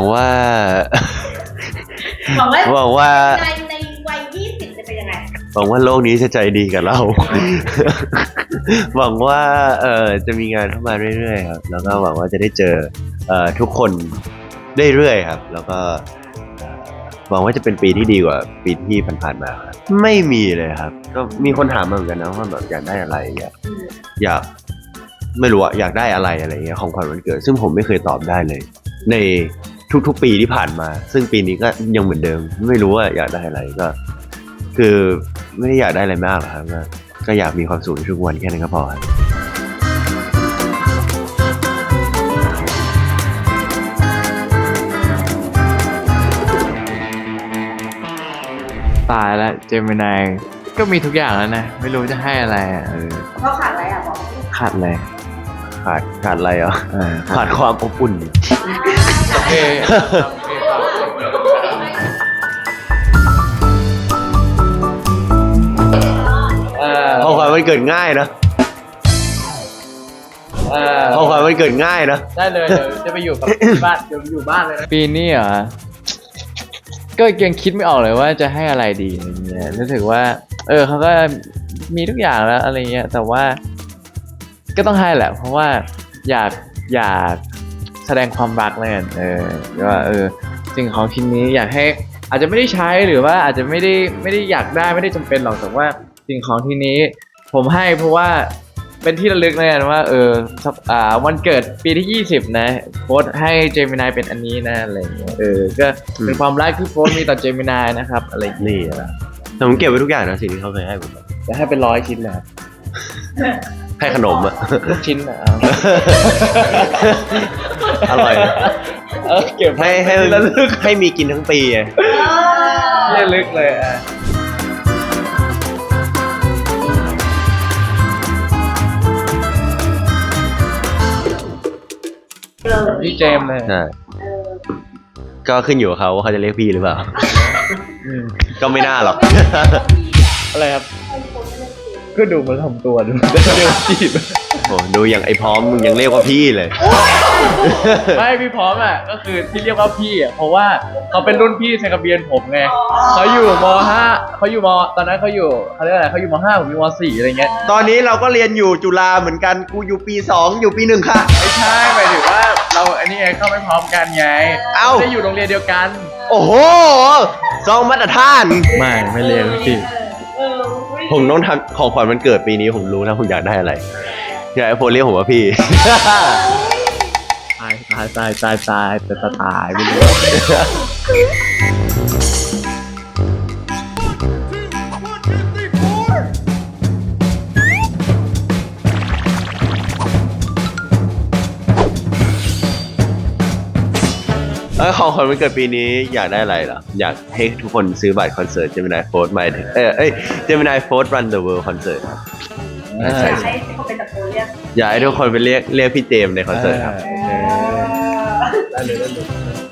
ว่าหวังว่าหวังว่าในวัย20จะเป็นยังไงหวังว่าโลกนี้จะใจดีกับเรา หวังว่าจะมีงานเข้ามาเรื่อยๆครับแล้วก็หวังว่าจะได้เจอทุกคนเรื่อยๆครับแล้วก็หวังว่าจะเป็นปีที่ดีกว่าปีที่ผ่านๆมาครับไม่มีเลยครับก็มีคนถามมาเหมือนกันนะว่าแบบอยากได้อะไรอยากไม่รู้อะอยากได้อะไรอะไรเงี้ยของขวัญวันเกิดซึ่งผมไม่เคยตอบได้เลย ในทุกๆปีที่ผ่านมาซึ่งปีนี้ก็ยังเหมือนเดิมไม่รู้ว่าอยากได้อะไรก็คือไม่ได้อยากได้อะไรมากหรอกครับก็อยากมีความสุขในทุกวันแค่นั้นก็พอครับตายแล้วเจมินายก็มีทุกอย่างแล้วนะไม่รู้จะให้อะไรอ่ะเขาขาดอะไรอ่ะบอกขาดอะไรขาดอะไรอ่ะขาดความอบอุ่นโอเคของขวัญวันเกิดง่ายนะของขวัญวันเกิดง่ายนะได้เลยเดี๋ยวจะไปอยู่กับบ้านเดี๋ยวอยู่บ้านเลยนะปีนี้เหรอก็ยังคิดไม่ออกเลยว่าจะให้อะไรดีอะไรเงี้ยรู้สึกว่าเขาก็มีทุกอย่างแล้วอะไรเงี้ยแต่ว่าก็ต้องให้แหละเพราะว่าอยากแสดงความรักเลยว่าสิ่งของชิ้นนี้อยากให้อาจจะไม่ได้ใช้หรือว่าอาจจะไม่ได้อยากได้ไม่ได้จำเป็นหรอกแต่ว่าสิ่งของที่นี้ผมให้เพราะว่าเป็นที่ระลึกเลยนะว่าวันเกิดปีที่20นะโฟร์ให้เจมินายเป็นอันนี้นะอะไรอย่างเงี้ยก็เป็นความรักที่โฟร์มีต่อเจมินายนะครับอะไรอย่างเงี้ยนี่นะแต่ผมเก็บไว้ทุกอย่างนะสิ่งที่เขาเคยให้ผมจะให้เป็น100 ชิ้นเลยครับให้ขนมอ่ะทุกชิ้นนะอร่อยนะเก็บให้ระลึกให้มีกินทั้งปีไงระลึกเลยพี่เจมส์เลยใช่ก็ขึ้นอยู่กับเขาว่าเขาจะเรียกพี่หรือเปล่า ก็ไม่น่าหรอกอะไรครับก็ดูมันทำตัวดูเรียกจีบโอ้ดูอย่างไอ้พร้อมมึงยังเรียกว่าพี่เลยไม่พี่พร้อมอ่ะก็คือที่เรียกว่าพี่อ่ะเพราะว่าเขาเป็นรุ่นพี่ในกระเบียนผมไงเขาอยู่ม.5เขาอยู่ม.ตอนนั้นเขาอยู่เขาเรียกอะไรเขาอยู่ม.5ผมอยู่ม.4อะไรเงี้ยตอนนี้เราก็เรียนอยู่จุฬาเหมือนกันกูอยู่ปี2อยู่ปี1ค่ะไม่ใช่หมายถึงว่าเราอันนี้ไงเข้าไม่พร้อมกันไงเอ้าไม่ได้อยู่โรงเรียนเดียวกันโอ้โหซองมาตรฐานไม่เรียนพี่ผมต้องทำของขวัญวันเกิดปีนี้ผมรู้แล้วผมอยากได้อะไรอยากให้โฟเรียกผมว่าพี่ตายแต่ตายไม่รู้ของขวัญวันเกิดปีนี้อยากได้อะไรเหรออยากให้ทุกคนซื้อบัตรคอนเสิร์ต Gemini Force มาGemini Force Run the World Concert ครับอยากให้เขาเป็นตะโกนเรียกอยากให้ทุกคนไปเรียกพี่เจมส์ในคอนเสิร์ตครับได้เลย